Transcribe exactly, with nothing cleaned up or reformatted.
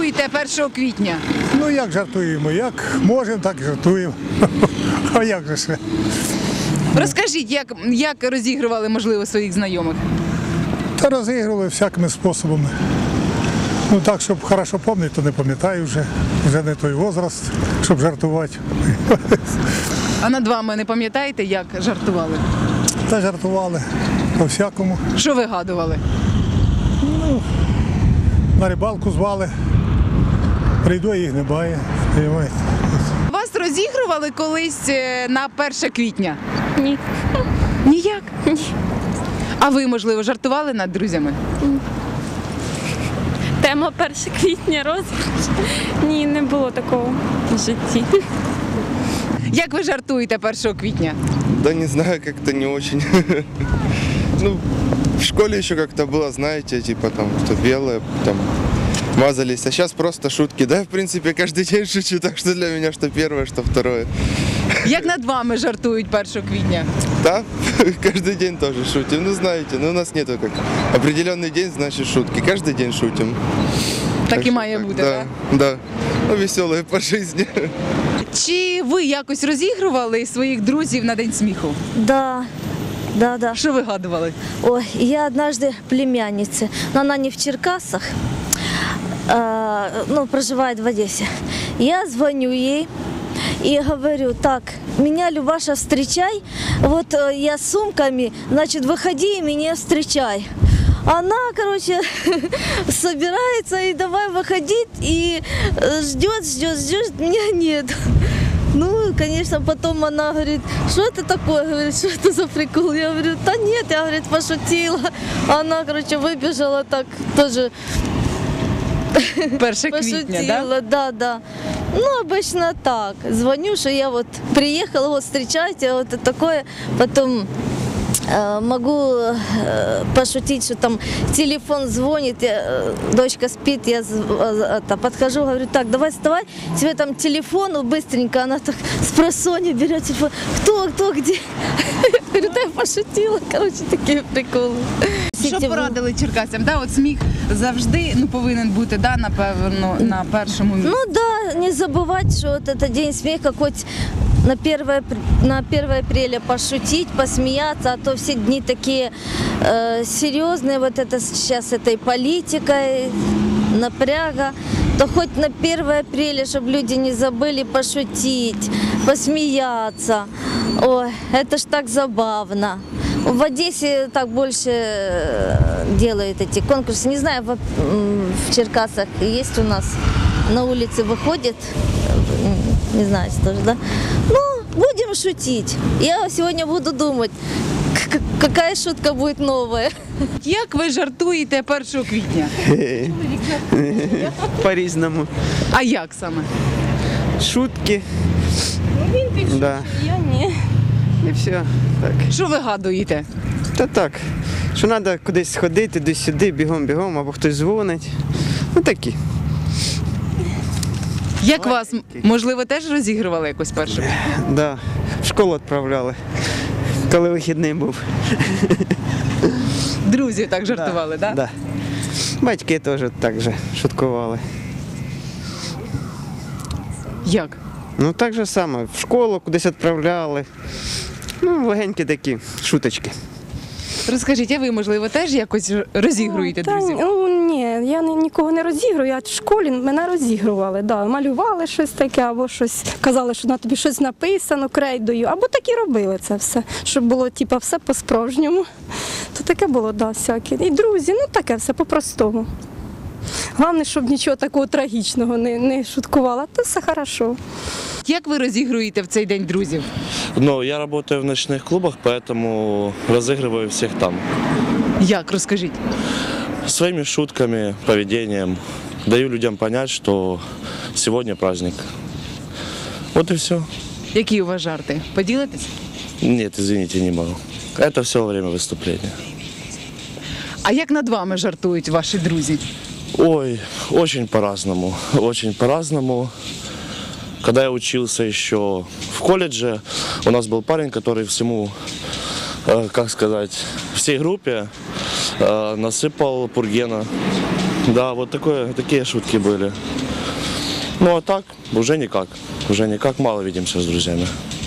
жартуєте першого квітня? Ну як жартуємо? Як можемо, так і жартуємо. А як же ще? Розкажіть, як, як розігрували, можливо, своїх знайомих? Та розігрували всякими способами. Ну так, щоб хорошо пам'ятати, то не пам'ятаю вже. Вже не той возраст, щоб жартувати. А над вами не пам'ятаєте, як жартували? Та жартували по-всякому. Що вигадували? На рибалку звали. Прийду, їх немає. Розумієте? Вас розігрували колись е, на перше квітня? Ні. Ніяк? Ні. А ви, можливо, жартували над друзями? Тема перше квітня розіграш. Ні, не було такого в житті. Як ви жартуєте першого квітня? Да не знаю, как-то не очень. Ну, в школе еще как-то было, знаете, типа там, что белое, там, мазались. А сейчас просто шутки. Да, в принципе, каждый день шучу, так что для меня что первое, что второе. Як над вами жартують першого квітня? Да, каждый день тоже шутим. Ну, знаете, ну, у нас нету как определенный день, значит, шутки. Каждый день шутим. Так і что має так, бути, да, так? да. Ну, веселые по жизни. Чи ви якось розігрували своїх друзів на День сміху? Да, да, да. Що вигадували? Ой, я однажды племяннице, но она не в Черкасах, а, ну, проживает в Одессе. Я звоню ей и говорю: так, меня, Любаша, встречай, вот э, я с сумками, значит, выходи и меня встречай. Она, короче, собирается и давай выходить, и э, ждет, ждет, ждет, меня нет. Ну, конечно, потом она говорит: что это такое? Говорит, что это за прикол? Я говорю: да нет, я, говорит, пошутила. Она, короче, выбежала так тоже. Перше квітня, Пошутила, да? да, да. Ну, обычно так. Звоню, что я вот приехала, вот встречайте, вот это такое. Потом э, могу э, пошутить, что там телефон звонит, я, э, дочка спит, я э, это, подхожу, говорю: так, давай вставай, тебе там телефон, ну, быстренько. Она так с просонья берет телефон. Кто, кто, где? Говорю: да, я пошутила. Короче, такие приколы. Що порадили черкасцям? Да, от сміх завжди ну, повинен бути, да, напевно, на першому місці. Ну да, не забывать, что вот это день смеха, хоть на первое, на первое апреля пошутить, посмеяться, а то все дни такие э, серьезные, вот это сейчас этой политикой, напряга, то хоть на первое апреля, чтобы люди не забыли пошутить, посмеяться. Ой, это ж так забавно. В Одессе так больше делают эти конкурсы. Не знаю, в, в Черкасах есть у нас, на улице выходит, не знаю, тоже, да? Ну, будем шутить. Я сегодня буду думать, какая шутка будет новая. Як ви жартуєте першого квітня? По-різному. А як саме? Шутки. Да. Я ні. І все. Так. Що вигадуєте? Та так. Що треба кудись сходити, десь сюди, бігом-бігом, або хтось дзвонить. Ну такі. Як вас, можливо, теж розігрували якось першого? Да. В школу відправляли, коли вихідний був. Друзі так жартували, так? Да? Да. Батьки теж так же шуткували. Як? Ну так же саме. В школу кудись відправляли. Ну, легенькі такі шуточки. Розкажіть, а ви, можливо, теж якось розігруєте Та, друзів? ну, ні, я ні- нікого не розігрую, а в школі мене розігрували. Да. Малювали щось таке, або щось казали, що на тобі щось написано крейдою, або так і робили це все, щоб було типу, все по-справжньому. То таке було, да, всяке. І друзі, ну таке все по-простому. Головне, щоб нічого такого трагічного не, не шуткувала, то все хорошо. Як ви розігруєте в цей день друзів? Ну, я работаю в ночных клубах, поэтому разыгрываю всех там. Як, розкажіть? Своими шутками, поведением. Даю людям понять, что сегодня праздник. Вот и все. Які у вас жарти? Поділитесь? Нет, извините, не могу. Это все во время выступления. А як над вами жартують ваші друзі? Ой, очень по-разному. Очень по-разному. Когда я учился еще в колледже, у нас был парень, который всему, э, как сказать, всей группе э, насыпал пургена Да, вот такое, такие шутки были. Ну а так, уже никак. Уже никак, мало видимся с друзьями.